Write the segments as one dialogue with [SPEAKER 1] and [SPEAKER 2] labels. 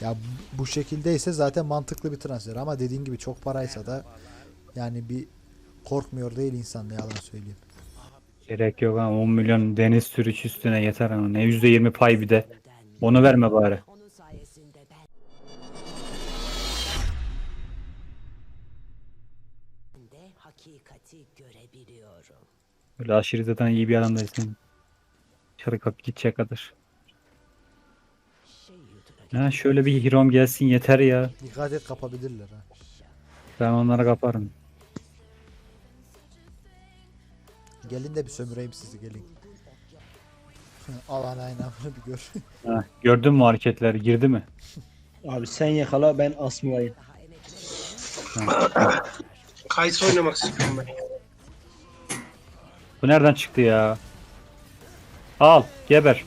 [SPEAKER 1] Ya bu şekildeyse zaten mantıklı bir transfer ama dediğin gibi çok paraysa da yani bir korkmuyor değil insan, ne yalan söyleyeyim.
[SPEAKER 2] Gerek yok ama 10 milyon deniz sürüş üstüne yeter ama ne %20 pay bir de. Onu verme bari.
[SPEAKER 3] Onun sayesinde ben de hakikati görebiliyorum.
[SPEAKER 2] Öyle aşırı zaten iyi bir adam değilsin. Dışarı kapı gidecek kadar.
[SPEAKER 3] Şey yutuna
[SPEAKER 2] Ha şöyle bir hero'm gelsin yeter ya.
[SPEAKER 1] Dikkat et, kapabilirler ha.
[SPEAKER 2] Ben onları kaparım.
[SPEAKER 1] Gelin de bir sömüreyim sizi, gelin. Al anayını bir gör.
[SPEAKER 2] Ha, gördün mü hareketleri girdi mi?
[SPEAKER 4] Abi sen yakala ben asmayayım.
[SPEAKER 3] daha emekli
[SPEAKER 5] Kayısı oynamak istiyorum ben.
[SPEAKER 2] Bu nereden çıktı ya? Al geber.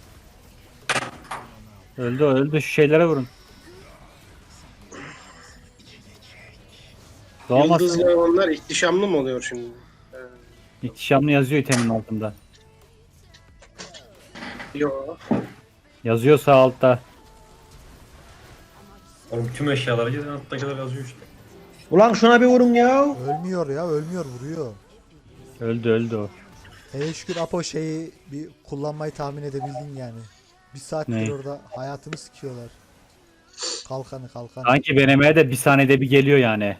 [SPEAKER 2] Öldü öldü şu şeylere vurun. Doğmaz.
[SPEAKER 5] Yıldızlı onlar ihtişamlı mı oluyor şimdi?
[SPEAKER 2] İhtişamlı yazıyor itemin altında.
[SPEAKER 5] Yok.
[SPEAKER 2] Yazıyor sağ altta.
[SPEAKER 6] Oğlum tüm eşyaları gidin alttakiler yazıyor işte.
[SPEAKER 4] Ulan şuna bir vurun ya.
[SPEAKER 1] Ölmüyor ya, ölmüyor, vuruyor.
[SPEAKER 2] Öldü öldü o.
[SPEAKER 1] Hele şükür Apo şeyi bir kullanmayı tahmin edebildin yani. Bir saattir
[SPEAKER 2] Ne?
[SPEAKER 1] orada hayatımı sikiyorlar. Kalkanı.
[SPEAKER 2] Sanki benemeye de bir saniyede bir geliyor yani.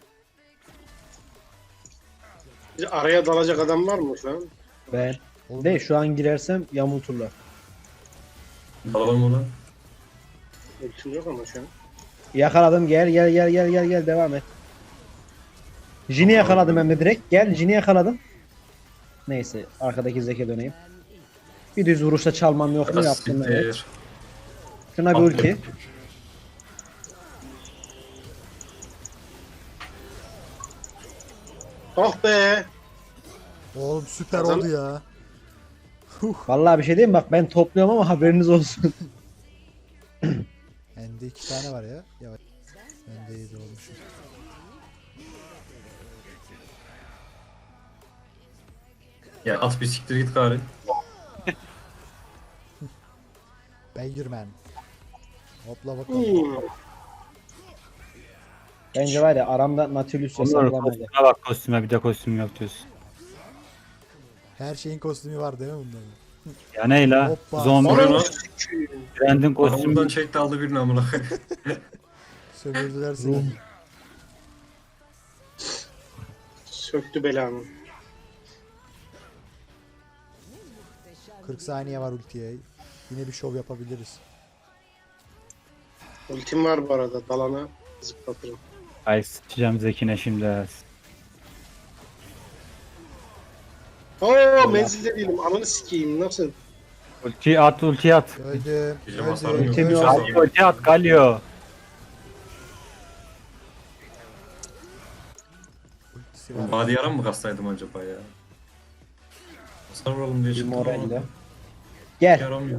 [SPEAKER 5] Bir araya dalacak adam var mı şu an?
[SPEAKER 4] Ben.
[SPEAKER 1] Oğlum,
[SPEAKER 4] De şu an girersem yamulturlar.
[SPEAKER 6] Alalım onu.
[SPEAKER 5] Ultim yok ama şu an.
[SPEAKER 4] Yakaladım gel devam et. Jin'i yakaladım hem de direkt. Gel Jin'i yakaladım. Neyse arkadaki zeke döneyim. Bir düz vuruşta çalmam yok mu yaptım evet.
[SPEAKER 6] Siktir.
[SPEAKER 4] Şuna bir ulti.
[SPEAKER 5] Oh be!
[SPEAKER 1] oğlum süper
[SPEAKER 5] Kazan-
[SPEAKER 1] oldu ya.
[SPEAKER 4] Vallahi bir şey diyeyim bak ben topluyorum ama haberiniz olsun.
[SPEAKER 1] Bende 2 tane var ya. Yavaş. Bende 7 olmuşum.
[SPEAKER 6] Ya at bir siktir git gari.
[SPEAKER 1] Beygirmen. Hopla bakalım.
[SPEAKER 5] Hmm.
[SPEAKER 4] Bence var ya aramda Nautilus
[SPEAKER 2] Onur
[SPEAKER 4] hesaplamaya.
[SPEAKER 2] kostüme bak kostüme bir de kostüm yok diyorsun.
[SPEAKER 1] Her şeyin kostümü var değil mi bunların?
[SPEAKER 2] Ya ne la?
[SPEAKER 1] Hoppa.
[SPEAKER 2] Zombi
[SPEAKER 6] Onu-
[SPEAKER 5] Onu
[SPEAKER 2] brandin
[SPEAKER 6] Aramızdan
[SPEAKER 2] kostümü.
[SPEAKER 6] çekti aldı birini amına.
[SPEAKER 1] Sömürdüler seni.
[SPEAKER 5] söktü belamı.
[SPEAKER 1] 40 saniye var ultiye. Yine bir şov yapabiliriz.
[SPEAKER 5] Ultim var bu arada. Dalana zıplatırım.
[SPEAKER 2] Ay sıçacağım Zekine şimdi.
[SPEAKER 5] Oo menzilde değilim. Ananı sikeyim. Nasıl?
[SPEAKER 2] Ulti at ulti at.
[SPEAKER 1] Öldüm.
[SPEAKER 6] Gece basarım yok.
[SPEAKER 4] Ultim yok.
[SPEAKER 2] Galio ulti at Galio.
[SPEAKER 1] Ultisi var.
[SPEAKER 6] Body yaran mı kastaydım acaba ya? Hasar vuralım diye
[SPEAKER 4] Bir
[SPEAKER 6] çıktım
[SPEAKER 4] moralle.
[SPEAKER 6] ama
[SPEAKER 4] Gel
[SPEAKER 6] yaramıyor.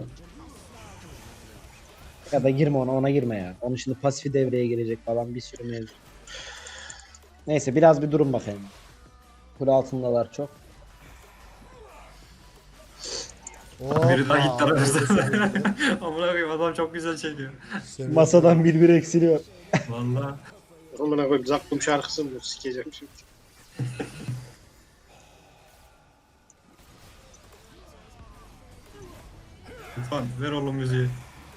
[SPEAKER 4] ya da girme ona girme ya. Onun şimdi pasifi devreye girecek falan bir sürü mevzu. Neyse biraz bir durun bakayım. Kule altındalar çok.
[SPEAKER 6] Biri daha
[SPEAKER 1] Hoppa.
[SPEAKER 6] gitti aramızda. Amına koyayım adam çok güzel çekiyor.
[SPEAKER 1] Sömürdü.
[SPEAKER 4] Masadan bir eksiliyor.
[SPEAKER 6] Valla.
[SPEAKER 5] Amına koyayım. Zakkum şarkısı mı? Sikeceğim şimdi.
[SPEAKER 6] Lütfen ver oğlum müziği.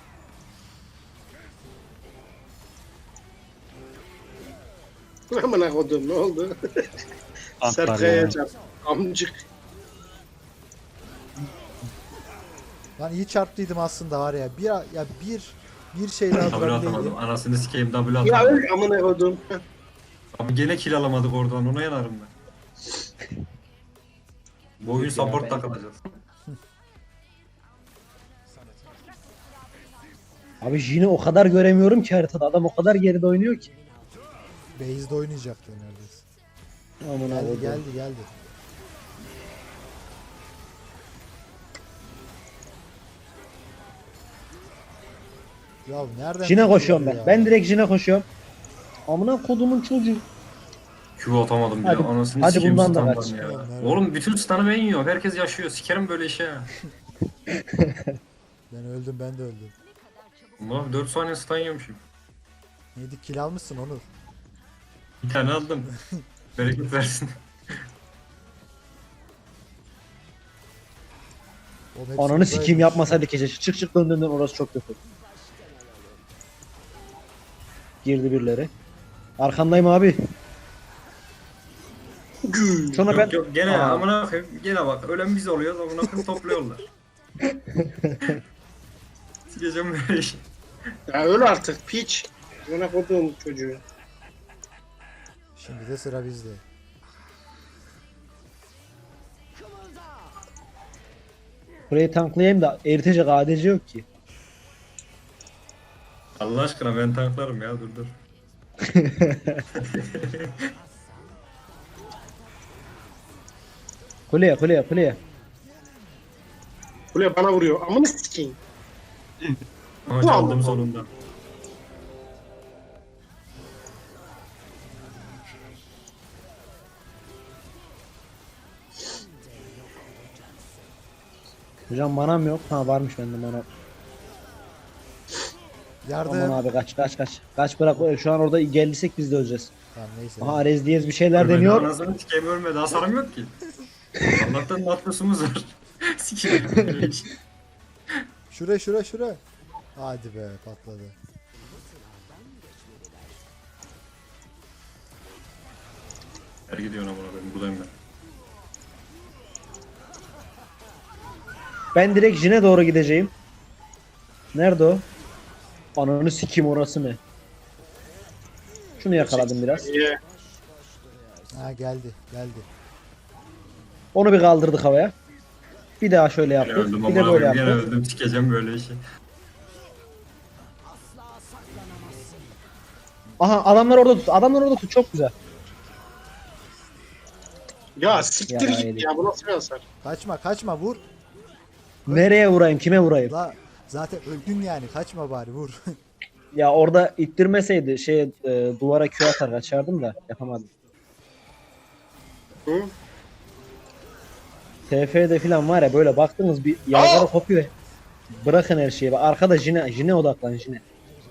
[SPEAKER 5] Amına koydum ne oldu?
[SPEAKER 2] Tanklar
[SPEAKER 5] Serkaya
[SPEAKER 2] ya.
[SPEAKER 5] çarp. Amcık.
[SPEAKER 1] Lan iyi çarptıydım aslında var ya. Bir şeyle
[SPEAKER 6] W
[SPEAKER 1] hazırlayabildim.
[SPEAKER 6] atamadım. Anasını sikeyim W
[SPEAKER 5] Ya
[SPEAKER 6] atamadım.
[SPEAKER 5] öl amına koydum.
[SPEAKER 6] Abi gene kill alamadık oradan ona yanarım ben. Bu oyun support takılacağız.
[SPEAKER 4] Abi Jin'i o kadar göremiyorum ki haritada. Adam o kadar geride oynuyor ki.
[SPEAKER 1] Base'de oynayacaktı neredeyse.
[SPEAKER 4] Amına
[SPEAKER 1] Geldi
[SPEAKER 4] koyayım.
[SPEAKER 1] geldi. Ya nereden?
[SPEAKER 4] Jin'e koşuyorum ben.
[SPEAKER 1] ya?
[SPEAKER 4] Ben direkt Jin'e koşuyorum. Amına kodumun çocuğu.
[SPEAKER 6] Q atamadım bile.
[SPEAKER 4] Hadi-
[SPEAKER 6] Anasını
[SPEAKER 4] hadi
[SPEAKER 6] sikeyim
[SPEAKER 4] bundan da
[SPEAKER 6] standdan
[SPEAKER 4] kaç.
[SPEAKER 6] ya.
[SPEAKER 1] Nerede?
[SPEAKER 6] Oğlum bütün stun'ı ben yiyorum. Herkes yaşıyor. Sikerim böyle işe ya.
[SPEAKER 1] Ben öldüm, ben de öldüm.
[SPEAKER 6] Ulan 4 saniye stun yiyormuşum.
[SPEAKER 1] 7 kill almışsın Onur.
[SPEAKER 6] Bir tane aldım. Bereket versin.
[SPEAKER 1] Oğlum hepsi
[SPEAKER 4] Ananı
[SPEAKER 1] buradaymış.
[SPEAKER 4] sikeyim yapmasaydı gece. Çık çık dön dön dön, orası çok kötü. Girdi birileri. Arkandayım abi.
[SPEAKER 5] Gül.
[SPEAKER 4] Sonra ben...
[SPEAKER 6] Yok yok gene
[SPEAKER 4] Aa.
[SPEAKER 6] amına koyayım. Gene bak ölen biz oluyoruz amına koyayım topluyorlar. Sileceğim böyle işi.
[SPEAKER 5] Ya öl artık piç. Bana koduğum çocuğu.
[SPEAKER 1] Şimdi de sıra bizde.
[SPEAKER 4] Burayı tanklayayım da eritecek ADC yok ki.
[SPEAKER 6] Allah aşkına ben tanklarım ya dur dur.
[SPEAKER 4] Kuleye kuleye kuleye.
[SPEAKER 5] Buraya bana vuruyor. Amını sikeyim.
[SPEAKER 6] Ama çaldım sonunda.
[SPEAKER 4] Hocam manam yok. Ha varmış bende mana.
[SPEAKER 1] Yardım.
[SPEAKER 4] Aman abi kaç kaç kaç. Kaç bırak, şu an orada geldiysek biz de öleceğiz.
[SPEAKER 1] Tamam neyse.
[SPEAKER 4] Aha Arez Diyez bir şeyler
[SPEAKER 6] Ölmedi,
[SPEAKER 4] deniyor.
[SPEAKER 6] Anasını sikeyim ölmedi hasarım yok ki. Allah'tan matlusumuz var. Sikeyim böyle iş.
[SPEAKER 1] Şura şura şura. Hadi be patladı.
[SPEAKER 6] Her gidiyorsun amına koyayım buradayım ben.
[SPEAKER 4] Ben direkt Jin'e doğru gideceğim. Nerede o? Ananı sikeyim, orası ne? Şunu yakaladım biraz.
[SPEAKER 5] Niye?
[SPEAKER 1] Ha geldi geldi.
[SPEAKER 4] Onu bir kaldırdık havaya. Bir daha şöyle
[SPEAKER 6] Gene
[SPEAKER 4] yaptık.
[SPEAKER 6] öldüm
[SPEAKER 4] Bir de
[SPEAKER 6] amına
[SPEAKER 4] böyle
[SPEAKER 6] koyayım gene
[SPEAKER 4] yaptık.
[SPEAKER 6] öldüm sikeceğim böyle işi.
[SPEAKER 4] Aha adamlar orada tut. Adamlar orada tut. Çok güzel.
[SPEAKER 5] Ya siktir
[SPEAKER 4] Ya,
[SPEAKER 5] git
[SPEAKER 4] öyle.
[SPEAKER 5] ya. Bu nasıl bir hasar?
[SPEAKER 1] Kaçma kaçma vur.
[SPEAKER 4] Nereye vurayım? Kime vurayım?
[SPEAKER 1] La zaten öldün yani kaçma bari vur.
[SPEAKER 4] Ya orada ittirmeseydi duvara Q atar kaçardım da yapamadım.
[SPEAKER 5] Hı?
[SPEAKER 4] TF'de falan var ya, böyle baktınız bir yazara kopuyor. Bırakın her şeyi. Bak arkada Jine odaklan Jine.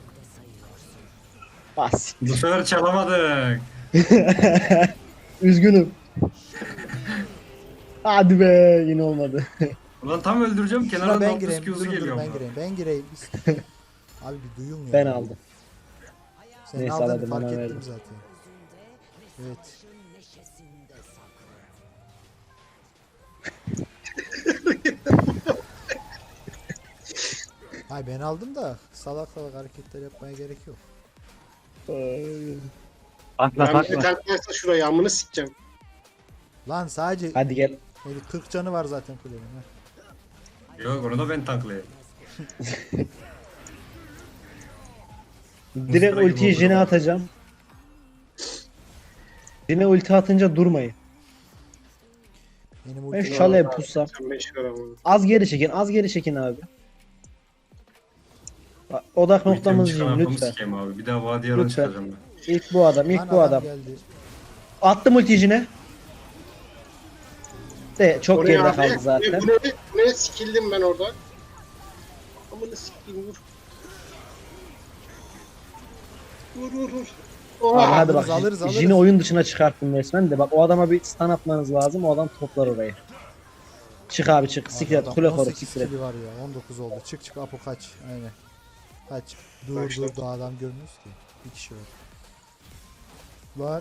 [SPEAKER 4] Bas.
[SPEAKER 6] Bu sefer çalamadık.
[SPEAKER 4] Üzgünüm. Hadi be, yine olmadı.
[SPEAKER 6] Ulan tam öldüreceğim
[SPEAKER 1] Şuna
[SPEAKER 6] kenardan
[SPEAKER 1] ben
[SPEAKER 6] 30
[SPEAKER 1] gireyim.
[SPEAKER 6] Q'su
[SPEAKER 1] Durun,
[SPEAKER 6] geliyor.
[SPEAKER 1] ben
[SPEAKER 6] amına.
[SPEAKER 1] gireyim. Ben gireyim. Abi bir duyulmuyor.
[SPEAKER 4] Ben aldım.
[SPEAKER 1] Sen
[SPEAKER 4] Neyse,
[SPEAKER 1] aldın
[SPEAKER 4] aladım,
[SPEAKER 1] fark
[SPEAKER 4] bana
[SPEAKER 1] ettim
[SPEAKER 4] verdim.
[SPEAKER 1] zaten. Evet.
[SPEAKER 3] Neşesinde saklı.
[SPEAKER 1] Hay ben aldım da salak salak hareketler yapmaya gerek yok.
[SPEAKER 2] Takla
[SPEAKER 5] Ben bir
[SPEAKER 2] takla.
[SPEAKER 5] tanklarsa şurayı amını sikeceğim.
[SPEAKER 1] Lan sadece
[SPEAKER 4] Hadi gel.
[SPEAKER 1] 40 canı var zaten kulenin. ha.
[SPEAKER 6] Yok onu da ben tanklayayım.
[SPEAKER 4] Direkt
[SPEAKER 6] gibi
[SPEAKER 4] ultiyi
[SPEAKER 6] oldu
[SPEAKER 4] Jine
[SPEAKER 6] ama.
[SPEAKER 4] atacağım. Jine ulti atınca durmayın.
[SPEAKER 1] Benim
[SPEAKER 4] Ben
[SPEAKER 1] ultim
[SPEAKER 4] şalaya pussam.
[SPEAKER 5] Sen 5 ver amını.
[SPEAKER 4] Az geri çekin, az geri çekin abi. Bak, odak noktamız
[SPEAKER 6] Çıkan
[SPEAKER 4] Jin
[SPEAKER 6] arkamı
[SPEAKER 4] lütfen.
[SPEAKER 6] sikeyim abi. Bir daha vadi yaran
[SPEAKER 4] Lütfen.
[SPEAKER 6] çıkacağım ben.
[SPEAKER 4] İlk bu adam, ilk
[SPEAKER 1] Lan
[SPEAKER 4] bu adam.
[SPEAKER 1] geldi.
[SPEAKER 4] Attım ultiyi Jin'e. De çok
[SPEAKER 5] O ne
[SPEAKER 4] geride
[SPEAKER 5] abi?
[SPEAKER 4] kaldı zaten.
[SPEAKER 5] Bu ne sikildim ben orada. Amını sikeyim vur. Vur vur vur.
[SPEAKER 4] Abi
[SPEAKER 5] Oha!
[SPEAKER 4] hadi bak,
[SPEAKER 1] alırız, alırız.
[SPEAKER 4] Jin'i oyun dışına çıkarttım resmen de bak, o adama bir stun atmanız lazım, o adam toplar orayı. Çık abi çık, siklet,
[SPEAKER 1] Adam
[SPEAKER 4] kule koru
[SPEAKER 1] 18
[SPEAKER 4] siklet.
[SPEAKER 1] kili var ya 19 oldu. Çık çık Apo kaç. Aynen. Kaç. Dur
[SPEAKER 5] Kaçtı.
[SPEAKER 1] dur daha adam görmüyoruz ki. Bir kişi var. Lan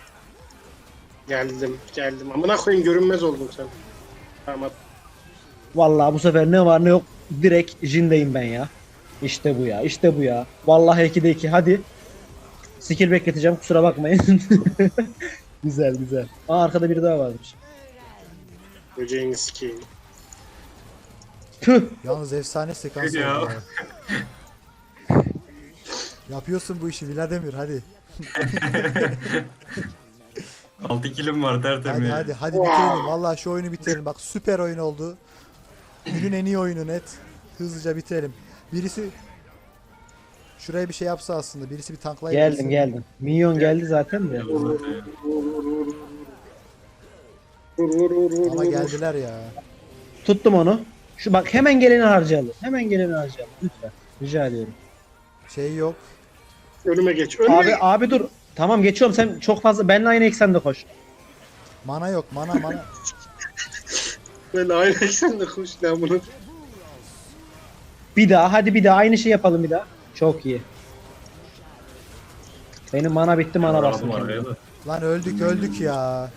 [SPEAKER 5] Geldim. Amına koyayım görünmez oldum sen. Tamam.
[SPEAKER 4] Vallahi bu sefer ne var ne yok direkt Jin'deyim ben ya. İşte bu ya, işte bu ya. Vallahi 2'de 2, hadi. Skill bekleteceğim, kusura bakmayın. Güzel güzel. Aa arkada biri daha varmış.
[SPEAKER 5] Böceğini sikeyim.
[SPEAKER 4] Tüh.
[SPEAKER 1] yalnız efsane sekans oldu
[SPEAKER 6] Ya.
[SPEAKER 1] ya. Yapıyorsun bu işi Vladimir hadi.
[SPEAKER 6] 6 kilim var tertemiz.
[SPEAKER 1] Hadi bitirelim. Vallahi şu oyunu bitirelim. Bak süper oyun oldu. Günün en iyi oyunu net. Hızlıca bitirelim. Birisi şuraya bir şey yapsa aslında. Birisi bir tanklayıp
[SPEAKER 4] Geldim. Minyon geldi zaten de.
[SPEAKER 5] Vur vur vur vur.
[SPEAKER 1] Ama geldiler ya.
[SPEAKER 4] Tuttum onu. Şu bak, hemen geleni harcayalım. Hemen geleni harcayalım lütfen. Rica ediyorum.
[SPEAKER 1] Şey yok.
[SPEAKER 5] Önüme geç. Önüme
[SPEAKER 4] Abi
[SPEAKER 5] geç.
[SPEAKER 4] abi dur. Tamam geçiyorum, sen çok fazla benimle aynı eksende koş.
[SPEAKER 1] Mana yok mana.
[SPEAKER 5] Ben aynı sen de koş lan bunu.
[SPEAKER 4] Bir daha, hadi bir daha aynı şey yapalım bir daha. Çok iyi. Benim mana bitti, mana bastım.
[SPEAKER 6] Aldım araya
[SPEAKER 4] kendime.
[SPEAKER 6] da.
[SPEAKER 1] Lan öldük ya.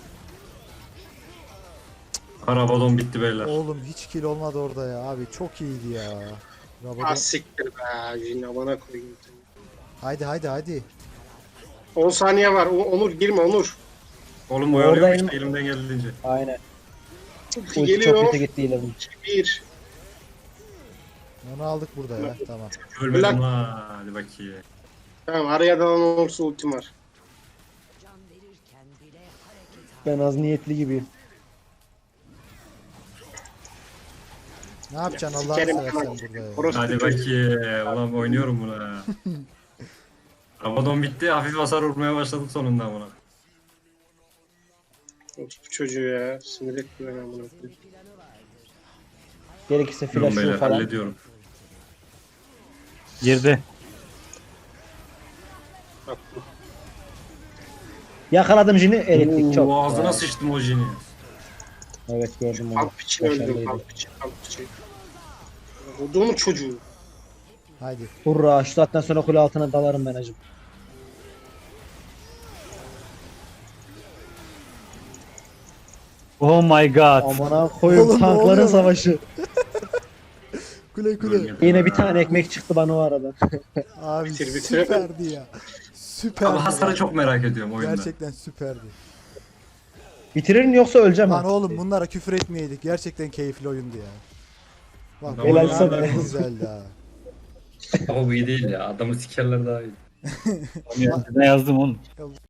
[SPEAKER 6] Karabadon bitti beyler.
[SPEAKER 1] Oğlum hiç kill olmadı orada ya abi. Çok iyiydi ya. Rabadon.
[SPEAKER 5] Ah siktir be. Yine bana koyayım.
[SPEAKER 1] Haydi.
[SPEAKER 5] 10 saniye var. Onur girme Onur.
[SPEAKER 6] Oğlum
[SPEAKER 4] Orada
[SPEAKER 6] oyalıyorum
[SPEAKER 4] elim-
[SPEAKER 6] işte elimden geldiğince.
[SPEAKER 4] Aynen. Ulti çok
[SPEAKER 5] Geliyor.
[SPEAKER 4] kötü gitti ilerim.
[SPEAKER 5] 1.
[SPEAKER 1] Onu aldık burada ya. Tamam.
[SPEAKER 6] Ölmedim
[SPEAKER 5] Ulan.
[SPEAKER 6] ha. Hadi bakayım.
[SPEAKER 5] Tamam araya dalan olursa ultim var.
[SPEAKER 3] Can verirken bile hareket
[SPEAKER 4] Ben az niyetli gibiyim.
[SPEAKER 1] Ne yapacaksın Allah'ını
[SPEAKER 5] Sikerim
[SPEAKER 1] seversen
[SPEAKER 5] lan.
[SPEAKER 1] burada ya.
[SPEAKER 5] Orospu
[SPEAKER 6] Hadi
[SPEAKER 5] çocuğu.
[SPEAKER 6] bakayım. Ulan oynuyorum buna. Karabadon bitti. Hafif hasar vurmaya başladım sonunda buna.
[SPEAKER 5] Orospu çocuğu ya. Sinir etti beni amına koyayım.
[SPEAKER 4] Gerekirse
[SPEAKER 6] Durun
[SPEAKER 4] flash
[SPEAKER 6] beyler
[SPEAKER 4] vur falan.
[SPEAKER 6] hallediyorum.
[SPEAKER 2] Girdi.
[SPEAKER 5] Attım.
[SPEAKER 4] Yakaladım Jin'i, erittik çok.
[SPEAKER 6] Oo, ağzına
[SPEAKER 4] Vay.
[SPEAKER 6] sıçtım o jini.
[SPEAKER 4] Evet gördüm onu.
[SPEAKER 5] Alp için öldüm.
[SPEAKER 4] Başarılıydı.
[SPEAKER 5] Alp için. Olduğumun çocuğu.
[SPEAKER 1] Haydi.
[SPEAKER 4] Hurra, şu saatten sonra kule altına dalarım ben acım.
[SPEAKER 2] Oh my god.
[SPEAKER 4] Amına koyayım,
[SPEAKER 1] Oğlum, ne
[SPEAKER 4] tankların
[SPEAKER 1] oluyor lan?
[SPEAKER 4] savaşı.
[SPEAKER 1] Kule.
[SPEAKER 4] Yine bir tane ekmek çıktı bana o arada.
[SPEAKER 1] Abi
[SPEAKER 5] Bitir.
[SPEAKER 1] süperdi ya. Süperdi.
[SPEAKER 6] Ama hasarı
[SPEAKER 1] ya.
[SPEAKER 6] çok merak ediyorum oyunda.
[SPEAKER 1] Gerçekten süperdi.
[SPEAKER 4] Bitirir yoksa öleceğim
[SPEAKER 1] Lan
[SPEAKER 4] ha.
[SPEAKER 1] oğlum bunlara küfür etmeyeydik. Gerçekten keyifli oyundu ya. Bak
[SPEAKER 6] Helal
[SPEAKER 1] bu
[SPEAKER 4] sana.
[SPEAKER 1] ne güzeldi ha.
[SPEAKER 6] Ama bu iyi değil ya. Adamı sikerler daha iyi.
[SPEAKER 2] Ne yazdım oğlum?